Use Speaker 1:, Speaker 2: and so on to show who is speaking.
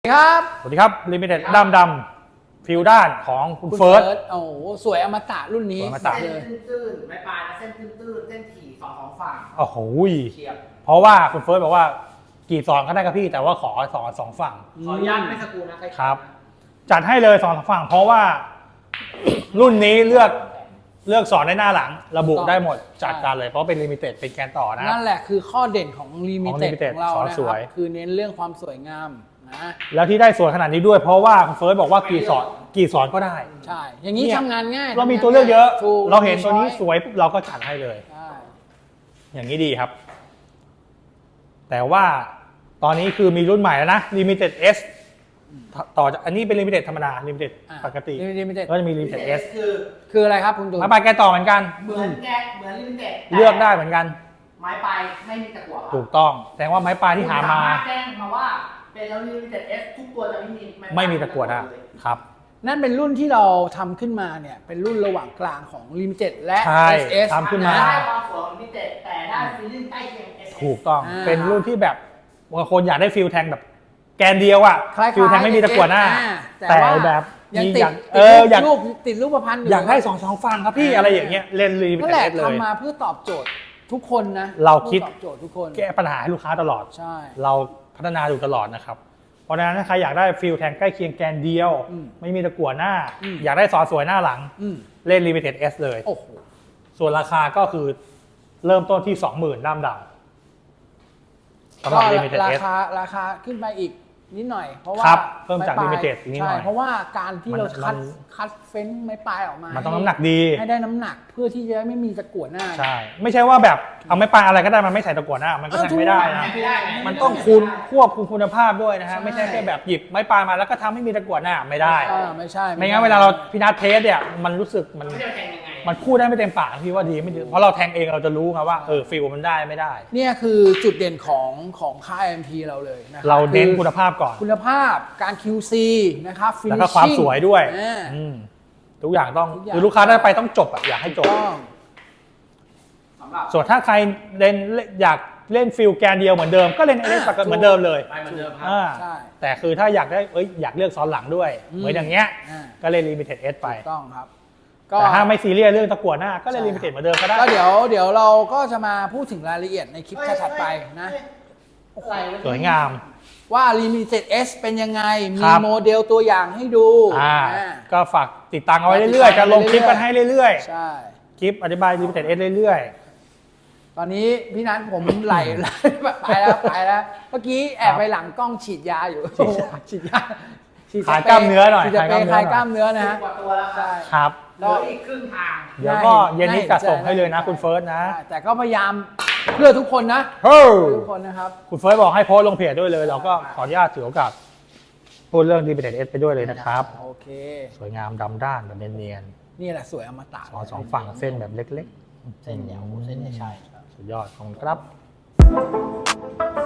Speaker 1: ครับ
Speaker 2: สวัสดีครับลิมิเต็ดดำฟิลด้านของคุณเฟิร์ส
Speaker 1: โอ้โหสวยอมตะรุ่นนี้
Speaker 2: อมตะ
Speaker 3: เส้นตื้นๆไม่ปลายนะเส้นตื้นๆเส้นถี่สองฝั่ง
Speaker 2: โอ้โห
Speaker 3: เฉียบ
Speaker 2: เพราะว่าคุณเฟิร์สบอกว่ากี่สอนก็ได้ครับพี่แต่ว่าขอสอนสองฝั่ง
Speaker 3: ขออนุญาตไม่สกูนะ
Speaker 2: ครับจัดให้เลยสอนสองฝั่งเพราะว่ารุ่นนี้เลือกสอนได้หน้าหลังระบุได้หมดจัดการเลยเพราะเป็นลิมิเต็ดเป็นแกนต่อนะ
Speaker 1: นั่นแหละคือข้อเด่นของลิมิเต็ด
Speaker 2: Limited
Speaker 1: ของเรานะ
Speaker 2: ส
Speaker 1: ค
Speaker 2: ว
Speaker 1: รับ
Speaker 2: ย
Speaker 1: คือเน้นเรื่องความสวยงามนะ
Speaker 2: แล้วที่ได้สวยขนาดนี้ด้วยเพราะว่าคุณเฟิร์สบอกว่ากี่สอนก็ได้
Speaker 1: ใช่อย่างนี้ทำงานง่าย
Speaker 2: เรามีตัวเลือกเยอะ
Speaker 1: ถูก
Speaker 2: เราเห็นตัวนี้สวยปุ๊บเราก็จัดให้เลย
Speaker 1: ใช่
Speaker 2: อย่างนี้ดีครับ แต่ว่าตอนนี้คือมีรุ่นใหม่แล้วนะ Limited S ต่อจากอันนี้เป็น Limited ธรรมดา Limited ปกติก็จะมี Limited S
Speaker 1: คืออะไรครับคุณตูน
Speaker 2: ไม้ปลายแกต่อเหมือนกัน
Speaker 3: เหมือนลิมิเต็ด
Speaker 2: เลือกได้เหมือนกัน
Speaker 3: ไม้ปลายไม่มีตะกั่ว
Speaker 2: ถูกต้องแสดงว่าไม้ปลายที่หามา
Speaker 3: แจ้งมาว่าเป็นแล้วลิมิเต็ด S ทุกตัวจะ
Speaker 2: ไม่มีตะกั่วนะครับ
Speaker 1: นั่นเป็นรุ่นที่เราทำขึ้นมาเนี่ยเป็นรุ่นระหว่างกลางของ Limited และ
Speaker 2: SS ทำขึ้นมา
Speaker 3: ได้ความสวยของลิมิเต็ดแต่ได้ฟีลลิ่งใกล้เคียง SS
Speaker 2: ถูกต้องเป็นรุ่นที่แบบบางคนอยากได้ฟิลแทงแบบแกนเดียวอ่ะฟิลแทงไม่มีตะกั่วหน้าแต่แบบ
Speaker 1: ยัง
Speaker 2: ติ
Speaker 1: ดรูปพันธ์
Speaker 2: อยากได้สองฝั่งครับพี่อะไรอย่างเงี้ยเล่นรีมิเต็ดเลย
Speaker 1: ทำมาเพื่อตอบโจทย์ทุกคนนะ
Speaker 2: เราคิด
Speaker 1: ตอบโจทย์ทุกคน
Speaker 2: แก้ปัญหาให้ลูกค้าตลอด
Speaker 1: ใช่
Speaker 2: เราพัฒนาอยู่ตลอดนะครับเพราะฉะนั้นถ้าใครอยากได้ฟิลแทงใกล้เคียงแกนเดียวไม่มีตะกั่วหน้าอยากได้ซอสวยหน้าหลังเล่น Limited S เลย
Speaker 1: โอ้โห
Speaker 2: ส่วนราคาก็คือเริ่มต้นที่ 20,000 ด้ามดำสำหรับ Limited S
Speaker 1: ราคาขึ้นไปอีกนิดหน่อยเพราะว่า
Speaker 2: เพิ่มจาก Limited นิดหน่อย
Speaker 1: ใช่เพราะว่าการที่เราคัดเฟ้นไม้ปลายออกมา
Speaker 2: มันต้องน้ำหนักดี
Speaker 1: ให้ได้น้ำหนักเพื่อที่จะไม่มีตะกั่วหน้า
Speaker 2: ใช่ไม่ใช่ว่าแบบเอาไม้ปลายอะไรก็ได้มันไม่ใส่ตะกั่วหน้ามันก็แทงไม่ได้นะมันต้องควบคุมคุณภาพด้วยนะฮะไม่ใช่แค่แบบหยิบไม้ปลายมาแล้วก็ทำให้มีตะกั่วหน้าไม่ได้
Speaker 1: ไม่ใช่
Speaker 2: ไม่งั้นเวลาเราพิจารณาเทสเนี่ยมันรู้สึกมันพูดได้ไม่เต็มปากพี่ว่าดีไม่ดีเพราะเราแทงเองเราจะรู้ไงว่าฟิลมันได้ไม่ได้
Speaker 1: เนี่ยคือจุดเด่นของค่าย MP เราเลยนะ
Speaker 2: เราเน้นคุณภาพก่อน
Speaker 1: คุณภาพการ QC นะครับ
Speaker 2: แล้วก็ความสวยด้วยทุกอย่างต้องคือลูกค้าได้ไปต้องจบอ่ะอยากให้จบส่วนถ้าใครอยากเล่นฟิลแกนเดียวเหมือนเดิมก็เล่นเอสเหมือนเดิมเลย
Speaker 3: เหมือนเดิมครับ
Speaker 2: แต่คือถ้าอยากได้อยากเลือกซ้อนหลังด้วยเหมือนอย่างเงี้ยก็เล่น Limited S ไป
Speaker 1: ต้องครับ
Speaker 2: แต่ถ้าไม่ซีเรียสเรื่องตะกั่วหน้าก็เล่น Limited เหมือนเดิมก็ได้
Speaker 1: ก็เดี๋ยวเราก็จะมาพูดถึงรายละเอียดในคลิปถัดไปนะ
Speaker 2: สวยงาม
Speaker 1: ว่า Limited S เป็นยังไงมีโมเดลตัวอย่างให้ดู
Speaker 2: ก็ฝากติดตามเอาไว้เรื่อยๆจะลงคลิปกันให้เรื่อย
Speaker 1: ๆใช่
Speaker 2: คลิปอธิบาย Limited S เรื่อย
Speaker 1: ๆตอนนี้พี่นัทผมไหลไปแล้วเมื่อกี้แอบไปหลังกล้องฉีดยาอยู่ฉีดยา
Speaker 2: ขายกล้ามเนื้อหน่อย
Speaker 1: คลายกล้ามเนื้อนะฮะ
Speaker 2: ครับ
Speaker 3: แล้วอีกครึ่งทาง
Speaker 2: เดี๋ยวก็เย็นนี้จัดส่งให้เลยนะคุณเฟิร์สนะ
Speaker 1: แต่ก็พยายามเพื่อทุกคนนะทุกคนนะครับ
Speaker 2: คุณเฟิร์สบอกให้โพสต์ลงเพจด้วยเลยเราก็ขออนุญาตถือโอกาสพูดเรื่อง Limited S ไปด้วยเลยนะครับ
Speaker 1: โอเค
Speaker 2: สวยงามดำด้านแบบเนียน
Speaker 1: ๆนี่แหละสวยอมตะ
Speaker 2: สองฝั่งเส้นแบบเล็ก
Speaker 1: ๆเส้นยาวเส้นใช่
Speaker 2: สุดยอดของครับ